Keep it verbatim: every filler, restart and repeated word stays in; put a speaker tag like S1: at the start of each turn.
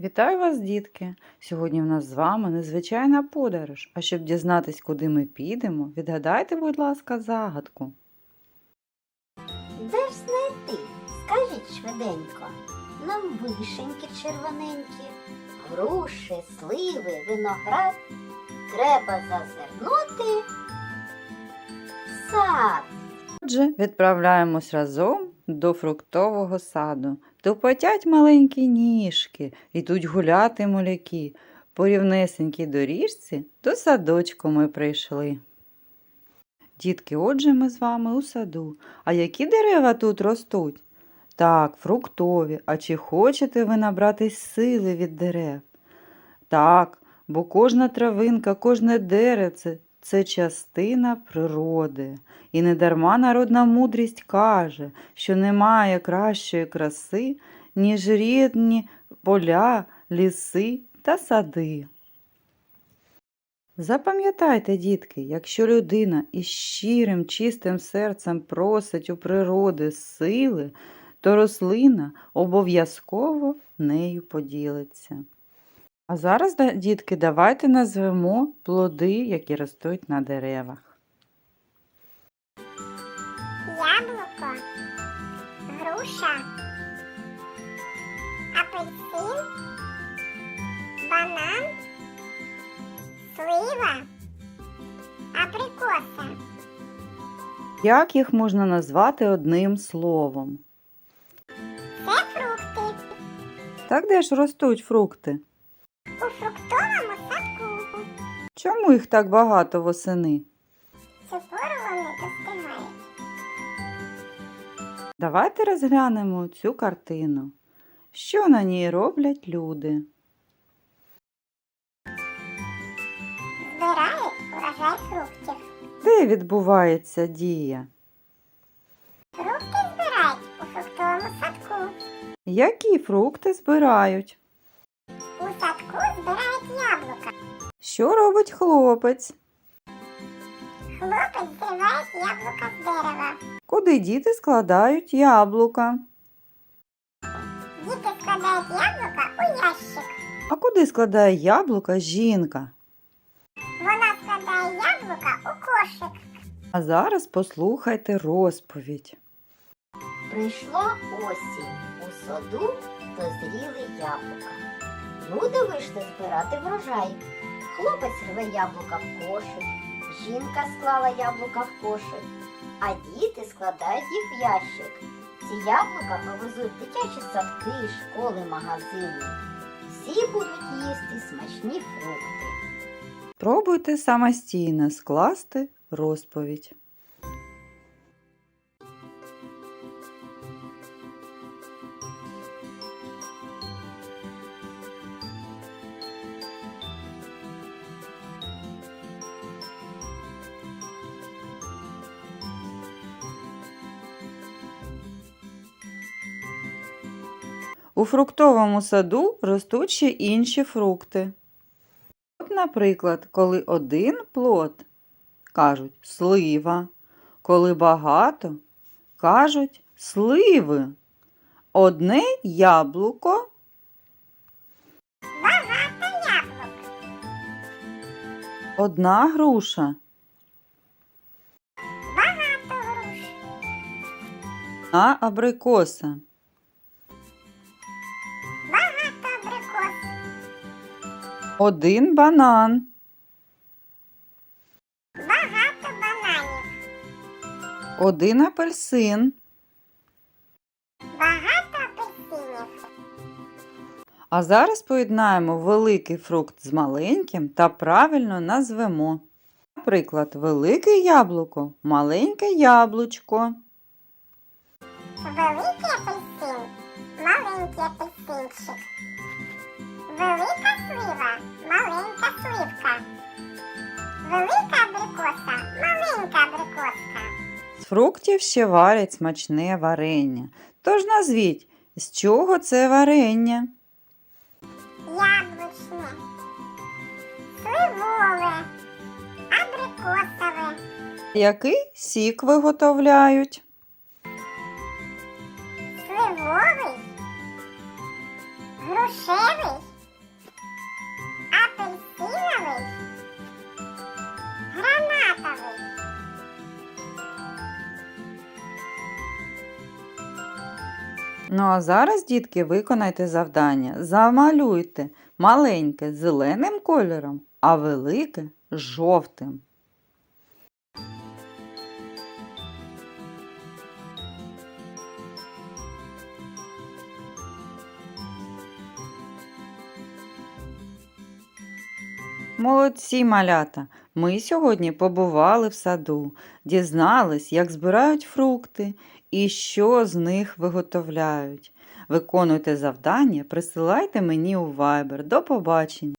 S1: Вітаю вас, дітки! Сьогодні в нас з вами незвичайна подорож. А щоб дізнатись, куди ми підемо, відгадайте, будь ласка, загадку.
S2: Де ж знайти? Скажіть швиденько. Нам вишеньки червоненькі, груші, сливи, виноград. Треба зазирнути в сад.
S1: Отже, відправляємось разом до фруктового саду. Тупотять маленькі ніжки, ідуть гуляти моляки. По рівнесенькій доріжці до садочку ми прийшли. Дітки, отже, ми з вами у саду. А які дерева тут ростуть? Так, фруктові. А чи хочете ви набратись сили від дерев? Так, бо кожна травинка, кожне деревце – це частина природи. І недарма народна мудрість каже, що немає кращої краси, ніж рідні поля, ліси та сади. Запам'ятайте, дітки, якщо людина із щирим, чистим серцем просить у природи сили, то рослина обов'язково нею поділиться. А зараз, дітки, давайте назвемо плоди, які ростуть на деревах.
S3: Яблуко, груша, апельсин, банан, слива, абрикоса.
S1: Як їх можна назвати одним словом?
S3: Це фрукти.
S1: Так де ж ростуть фрукти?
S3: У фруктовому садку.
S1: Чому їх так багато восени?
S3: Цю пору вони достигають.
S1: Давайте розглянемо цю картину. Що на ній роблять люди?
S3: Збирають урожай фруктів.
S1: Де відбувається дія?
S3: Фрукти збирають у фруктовому садку.
S1: Які фрукти збирають?
S3: У садку збирають яблука.
S1: Що робить хлопець?
S3: Хлопець зриває яблука з дерева.
S1: Куди діти складають яблука?
S3: Діти складають яблука у ящик.
S1: А куди складає яблука жінка?
S3: Вона складає яблука у кошик.
S1: А зараз послухайте розповідь.
S2: Прийшла осінь. У саду дозріли яблука. Люди вийшли збирати врожай. Хлопець рве яблука в кошик, жінка склала яблука в кошик, а діти складають їх в ящик. Ці яблука повезуть в дитячі садки, школи, магазини. Всі будуть їсти смачні фрукти.
S1: Пробуйте самостійно скласти розповідь. У фруктовому саду ростуть ще інші фрукти. От, наприклад, коли один плод, кажуть слива, коли багато, кажуть сливи. Одне яблуко,
S3: Багато яблук.
S1: одна груша,
S3: Багато груш.
S1: одна абрикоса,
S3: Багато абрикос.
S1: один банан,
S3: Багато бананів.
S1: один апельсин.
S3: Багато апельсинів.
S1: А зараз поєднаємо великий фрукт з маленьким та правильно назвемо. Наприклад, велике яблуко, маленьке яблучко.
S3: Великий апельсин. Маленький апельсинчик. Велика слива. Маленька сливка. Велика абрикоса. Маленька абрикоска.
S1: З фруктів ще варять смачне варення. Тож назвіть, з чого це варення?
S3: Яблучне. Сливове. Абрикосове.
S1: Який сік виготовляють?
S3: Сливовий. Грушевий.
S1: Ну а зараз, дітки, виконайте завдання. Замалюйте маленьке зеленим кольором, а велике жовтим. Молодці, малята! Ми сьогодні побували в саду, дізнались, як збирають фрукти і що з них виготовляють. Виконуйте завдання, присилайте мені у Viber. До побачення!